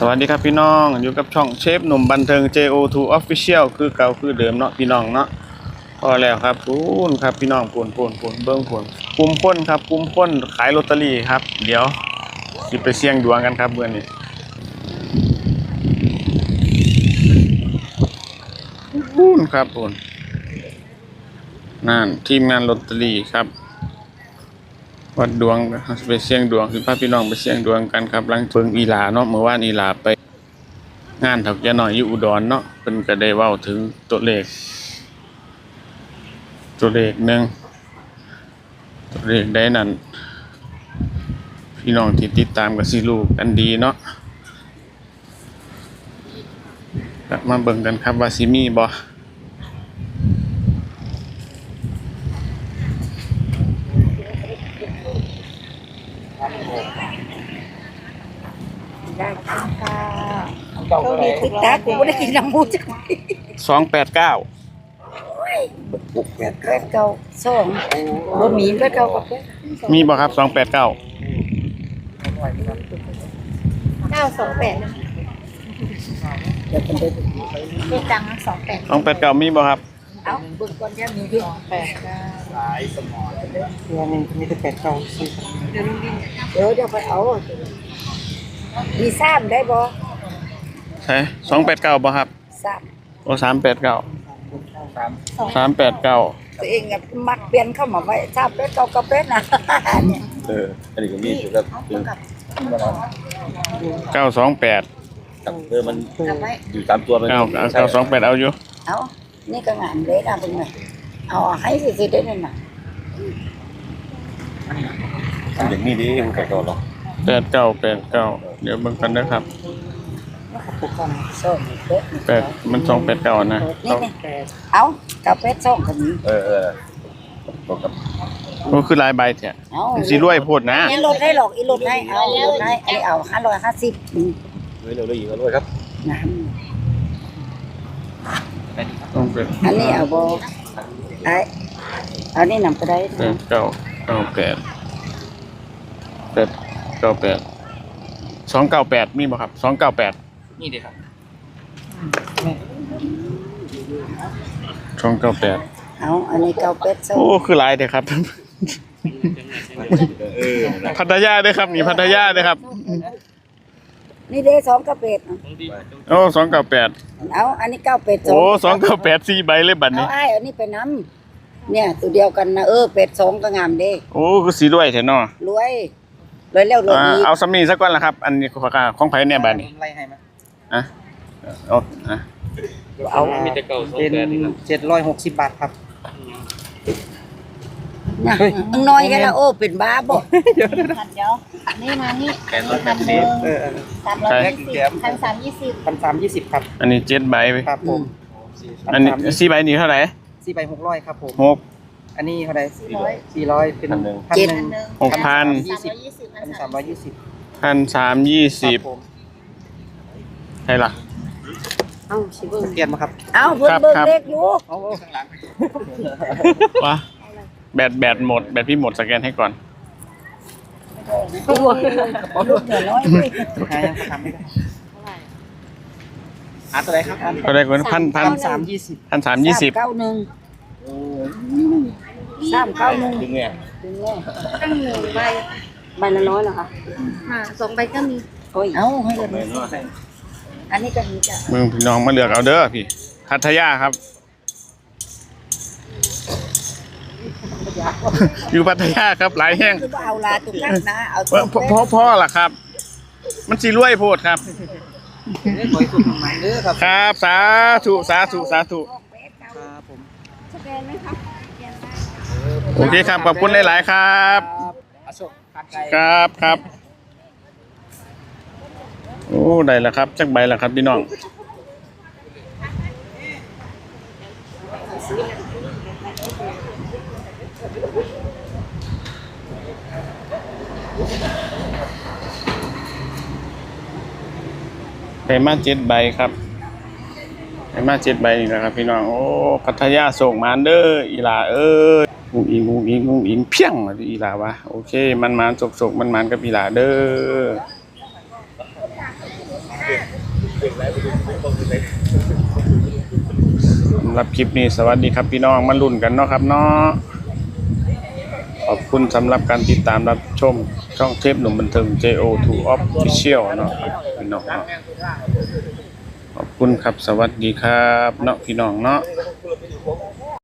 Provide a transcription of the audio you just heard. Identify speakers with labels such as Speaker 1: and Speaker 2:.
Speaker 1: สวัสดีครับพี่น้องอยู่กับช่องเชฟหนุ่มบันเทิง JO2 Official คือเก่าคือเดิมเนาะพี่น้องเนาะพอแล้วครับปูนครับพี่น้องปูนเบิ้งปูนปุ่มพ่นครับปุ่มพ่นขายลอตเตอรี่ครับเดี๋ยวสิไปเสี่ยงดวงกันครับเมื่อนี้ปูนครับปูนนั่นทีมงานลอตเตอรี่ครับวัดดวงไปเสี่ยงดวงคือพาพี่น้องไปเสี่ยงดวงกันครับหลังเพิ่งอีหลาเนาะเมื่อวานอีหลาไปงานถักยาหน่อยอยู่อุดรเนาะเพิ่นก็ได้เว้าถึงตัวเลขหนึ่งตัวเลขได้นั่นพี่น้องที่ติดตามก็สิรู้กันดีเนาะกลับมาเบิ่งกันครับว่าสิมีบ่
Speaker 2: ได้ค่ะเขามีติดตากูไม่ได้กินน้ำมูจัง
Speaker 1: 289
Speaker 2: บุกแปดเก้าสองบะหมี่แปดเก้ากับ
Speaker 1: มีบ่ครับ289
Speaker 2: 928เดี๋ยวเป็นเด็กดัง
Speaker 1: 289มีบ่ครับ
Speaker 2: เอาบึกก่อนจะมีที่289หลายสมองเดือนนึงมีแต่894เดี๋ยวไปเอามี3ได้บ่
Speaker 1: ใช่289บ่ครับ
Speaker 2: 3
Speaker 1: โอ้389 389
Speaker 2: ตัวเองอ่ะมักเปลี่ยนเข้ามาไว้3เป็ด9กับเป็ดน่ะเนี่ย
Speaker 3: อันนี้ก็มีอยู่ครับ
Speaker 1: 928
Speaker 3: มันอยู่ตามตัวมัน
Speaker 1: 928เอาอยู่
Speaker 2: เอานี่ก็งานเลยนะเพิ่นน่ะเอาให้สิได้นั่นน่ะ
Speaker 3: อย่างนี้ดิมันก็หรอก
Speaker 1: 8989เดี๋ยวเบิ่งกันนะครับ8มัน289นะ
Speaker 2: นี่เอากับเป็ดส่งกันนี้
Speaker 3: บอกกับ
Speaker 1: โอ้คือหลายใบแท้สิรวยโพดนะ
Speaker 2: อีลดให้หรอกอีลดให้เอาลดให้อันนี้เอา550
Speaker 3: เร็วๆอีกด้วยครับ
Speaker 1: ต้องเป็น
Speaker 2: อันนี้เอาบ่เอานี่นำก็ได้
Speaker 1: 298มีบ่ครับ298
Speaker 3: นี่ดิครับ
Speaker 1: 298
Speaker 2: เอาอันนี้เก้าเป็ดส่ง
Speaker 1: โอ้คือหลายเด้ครับพัทยาเด้อครับนี่พัทยาเด้อครับ
Speaker 2: นี่เด้2กับเป็ด
Speaker 1: โอ้298
Speaker 2: เอาอันนี้9เป็ด
Speaker 1: โอ้298 4ใบเลยบัดนี้
Speaker 2: เอาอันนี้ไปนำเนี่ยตัวเดียวกันนะเป็ด2ก็งามเด้
Speaker 1: โอ้คือสิรวยแท้เนาะ
Speaker 2: รวยแล้วรวยอีก
Speaker 1: เอาสำนี้ซะก่อนล่ะครับอันนี้ของไผเนี่ยบัดนี้
Speaker 3: ไล่ให้มั้ย
Speaker 2: เอา
Speaker 3: เป็น760 บาทครับ
Speaker 2: นะน้อยแค่ละเป็นบ้าบ่
Speaker 4: เดี๋ยวนี่มานี่
Speaker 3: 320ครับ
Speaker 1: อันนี้7ใบ
Speaker 3: ครับผม
Speaker 1: อันนี้4ใบนี่เท่าไหร่
Speaker 3: 4ใบ600ครับผม
Speaker 1: 6
Speaker 3: อันนี้เท่าไหร่400เป็น
Speaker 1: 1,000 ใช่ล่ะ
Speaker 2: เอาสิเบิ่ง
Speaker 3: เปลี่ยนมาครับ
Speaker 2: เอาเบิ่งเด็กอยู่
Speaker 3: เอาข้างหลัง
Speaker 1: วะแบตหมดแบตพี่หมดสแกนให้ก่อน
Speaker 2: ลูกน้อย
Speaker 3: หายังทำไม่ได้อะไรครับ
Speaker 1: อะไรก่อน1,320
Speaker 2: 1,320 391
Speaker 3: ดึงเนี่ย
Speaker 4: ตั้ง1ใบ
Speaker 2: ละ100เหรอคะ
Speaker 4: 2ใบก็มี
Speaker 2: โอ้ยเอาให้เลยอันนี้ก็มีจ้ะ
Speaker 1: มึงพี่น้องมาเลือกเอาเด้อพี่พัทยาครับอยู่พัทยาครับหลายแห้ง
Speaker 2: เอาลาตุกันนะ
Speaker 1: เอาพ่อล่ะครับมันสิรวยโพดครับครับสาธุครับผมโอเคครับขอบคุณหลายๆครับครับโอ้ได้แล้วครับจักใบแล้วครับพี่น้องไปมา7ใบครับไปมา7ใบนี่แหละครับพี่น้องโอ้พัทยาส่งมาเด้ออีหลางูอิงเพียงอีหลาวะโอเคมันจกมันกับอีหลาเด้อสำหรับคลิปนี้สวัสดีครับพี่น้องมาลุ้นกันเนาะครับเนาะขอบคุณสำหรับการติดตามรับชมช่องเทปหนุ่มบันเทิง JO2 Official เนาะครับพี่น้องเนาะขอบคุณครับสวัสดีครับเนาะพี่น้องเนาะ